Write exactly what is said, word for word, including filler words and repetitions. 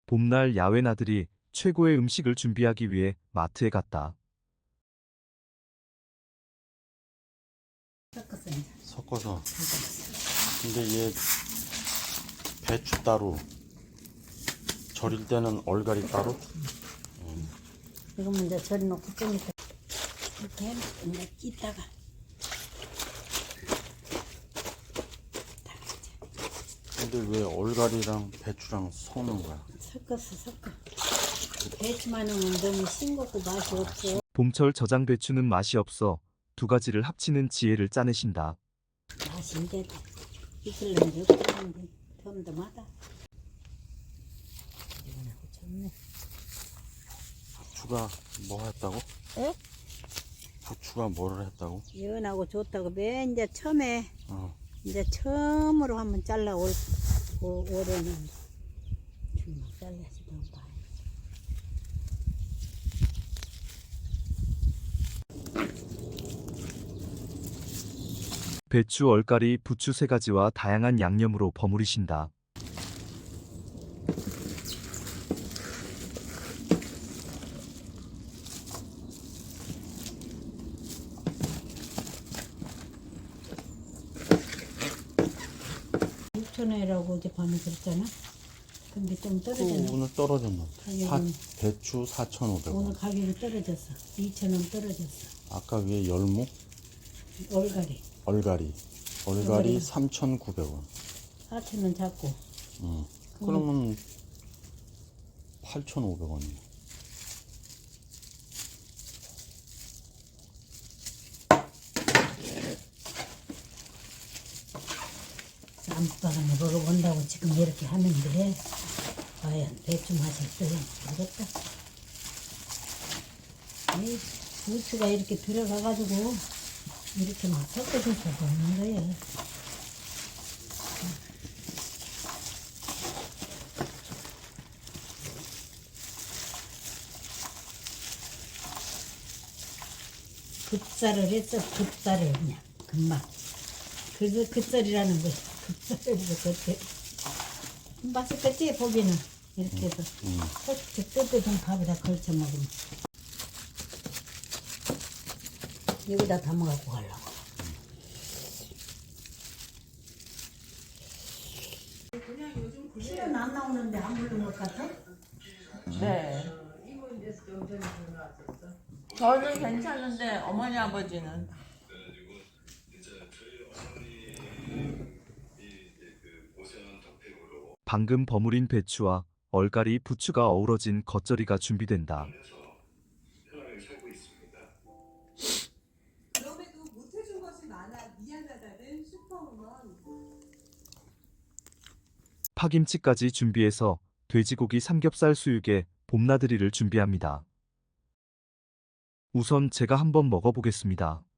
봄날 야외 나들이 최고의 음식을 준비하기 위해 마트에 갔다. 섞었어 이제. 섞어서. 섞었어. 근데 얘 배추 따로, 절일 때는 얼갈이 따로. 이거면 이제 절이 놓고 좀 이따 이렇게 이제 끼다가 근데 왜 얼갈이랑 배추랑 섞는 거야? 섞었어 섞어. 배추만 넣으면 너무 싱겁고 맛이 없어. 봄철 저장 배추는 맛이 없어 두 가지를 합치는 지혜를 짜내신다. 맛이 이제 이틀은 이제 없는데 덤덤하다. 이거하고 좋네. 부추가 뭐 했다고? 에? 부추가 뭐를 했다고? 연하고 좋다고 맨 이제 처음에 어. 이제 처음으로 한번 잘라 올 올- 올해는 좀 잘라서 좀 봐. 배추, 얼갈이, 부추 세 가지와 다양한 양념으로 버무리신다. 육천 원이라고 어젯밤에 그랬잖아. 근데 좀 또 떨어졌네. 오늘 떨어졌나? 가격은- 사, 배추 사천오백 원. 오늘 가격이 떨어졌어. 이천 원 떨어졌어. 아까 위에 열무? 얼갈이 얼갈이. 얼갈이 얼갈이. 삼천구백 원. 사천 원 잡고. 응. 그러면 팔천오백 원이네. 쌈밥을 먹어본다고 지금 이렇게 하는데 과연 배추 맛이 어떨지 모르겠다. 이 부추가 이렇게 들어가가지고 이렇게 막 섞어줄 수가 없는 거야. 급살을 했어. 급살을 그냥 금방. 그래서 급살이라는 거야. 급살에서 그때 맛있겠지 보기는 이렇게 해서 음. 솔직히 뜨뜻한 밥에다 걸쳐 먹으면 여기다 담아갖고 가려고. 실은 안 나오는데 안 부른 것 같아? 네. 저는 괜찮은데 어머니 아버지는 방금 버무린 배추와 얼갈이, 부추가 어우러진 겉절이가 준비된다. 그럼에도 못해준 것이 많아 미안하다는 슈퍼우먼. 파김치까지 준비해서 돼지고기 삼겹살 수육에 봄나들이를 준비합니다. 우선 제가 한번 먹어보겠습니다.